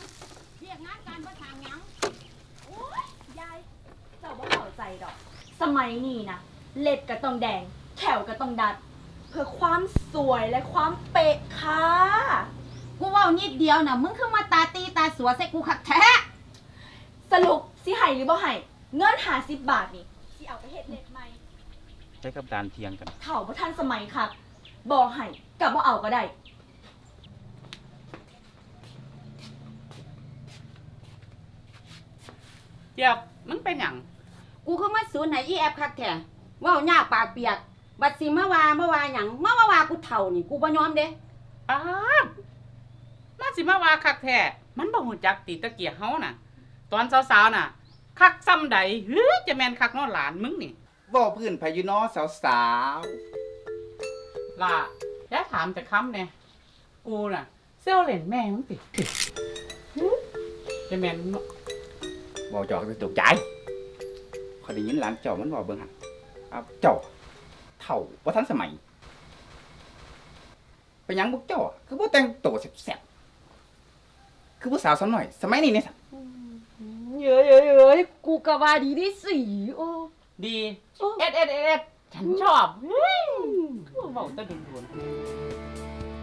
เรียกงานการประทางยังโอ้ยยายเจ้าบ่เข้าใจดอกสมัยนี้นะเล็บก็ต้องแดงแขวก็ต้องดัด เพื่อความสวยและความเป๊ะค่ะกูว่านิดเดียวน่ะมึงคือมาตาตีตาสัวใส่กูขัดแท้สรุปสิให้หรือบ่ให้เงิน50 บาทนี่สิเอาไปเฮ็ดเล็บใหม่ใช้กับการเทียงกันเฒ่าบ่ทันสมัยค่ะบ่ให้กับบ่เอาก็ได้เจี๊ยบมึงเป็นหยังกูคือมาสูนไหนอีแอบคักแท้ว่าวหน้าปากเปียกบัดสิมาว่าหยังมาว่ากูเฒ่านี่กูบ่ยอมเด้อ้ามาสิมาว่าคักแท้มันบ่ฮู้จักตีตะเกียกเฮาน่ะ ตอนสาวๆน่ะ คักซ้ำใดเฮ้ยจะแม่นคักเนาะหลานมึงนี่ว่าพื้นพายุน้อสาวล่ะอย่าถามแต่คำแน่กูน่ะเซลเล่นแม่มึงติจะแม่นเนาะๆบอกจอกจะตกใจขอยได้ยินหลานเจ้ามันบอกเบิ่งหั่นเจ้าเฒ่าบ่ทันสมัยเป็นหยังพวกเจ้าคือบ่แต่งตัวแซ่บๆคือผู้สาวสาวน้อยสมัยนี้เนี่ยสัเย้ยกูก็ว่าดีดิสิโอ้ดีเอ็ดฉันชอบเฮ้ยเว้าแต่ด่วนๆ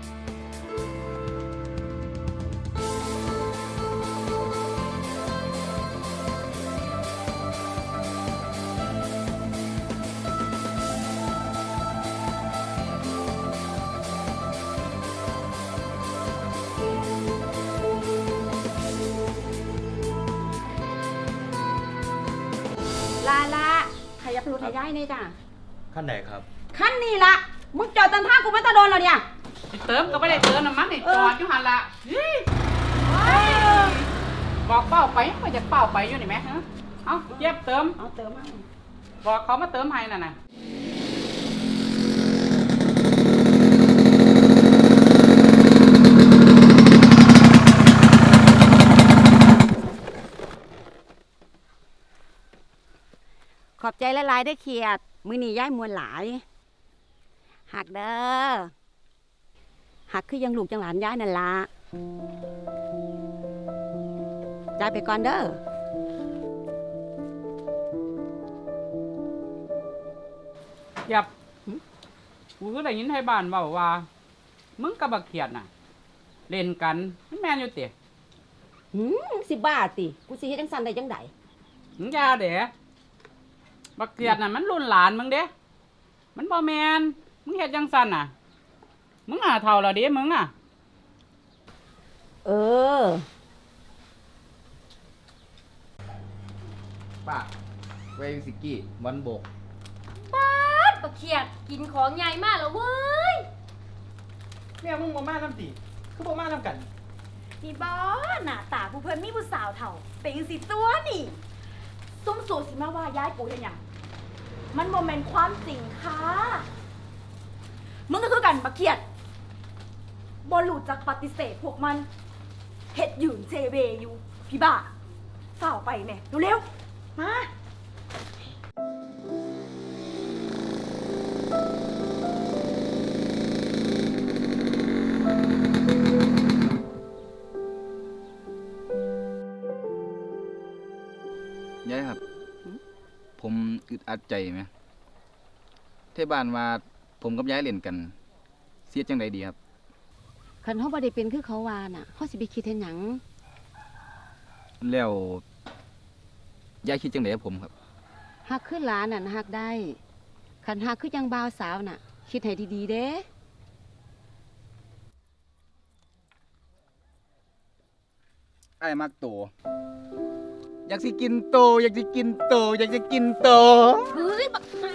ลาขยับรถให้ยายหน่อยจ้ะขั้นไหนครับคันนี้ละมึงจอดตันทางกูมาตะโดนแล้วเนี่ยเติมก็ไม่ได้เติมน้ำมันนี่จอดอยู่หันละเฮ้ยบอกเป้าไปก็จะเป้าไปอยู่นี่ไหมฮะเอาเย็บเติมเอาเติมมาบอกเขามาเติมให้น่ะนะขอบใจหลายๆได้เขียดมื้อนี้ยายมวนหลายหักเด้อหักคือยังลูกจังหลานยายนั่นละจ่ายไปก่อนเด้อเย็บกูก็ได้ยินให้บ้านเว้าว่ามึงกับบักเขียดน่ะ เล่นกันมันแม่นอยู่เตะสิบ้าติกูสิเฮ็ดจังซั่นได้จังได๋มึงอยาเด๋บักเขียดน่ะมันรุ่นหลานมึงเด้มันบ่แม่นมึงเฮ็ดจังซั่นน่ะมึงหาเท่าแล้วเด้มึงน่ะเออป้าเวสิกี้มันบกปลาเขียดกินของใหญ่มากแล้วเว้ยแม่มึงบ่มาน้ำตีคือบ่มาน้ำกันนี่บ่หน้าตาผู้เพิ่นมีผู้สาวเฒ่าเป็นสิตัวนี่ซุ่มสูสิมาว่าย้ายกูเฮ็ดหยังมันบ่แม่นความจริงค่ะมึงก็คือกันบักเขียดบ่รู้จักปฏิเสธพวกมันเฮ็ดยืนเจเวอยู่พี่บ้าฝ่าวไปแม่เร็วๆมายายครับ ผมอึดอัดใจไหมเที่บ้านว่าผมกับยายเล่นกันเสียจังใดดีครับคันเฮาบ่ได้เป็นคือเขาว่าน่ะเฮาสิไปคิดเฮ็ดหยังแล้วยายคิดจังใดกับผมครับฮักคือหลานน่ะฮักได้คันฮักคือจังบ่าวสาวน่ะ คิดให้ดีๆเด้ไอ้มักโต อยากสิกินโต อยากสิกินโต อยากจะกินโตเฮ้ยบักหา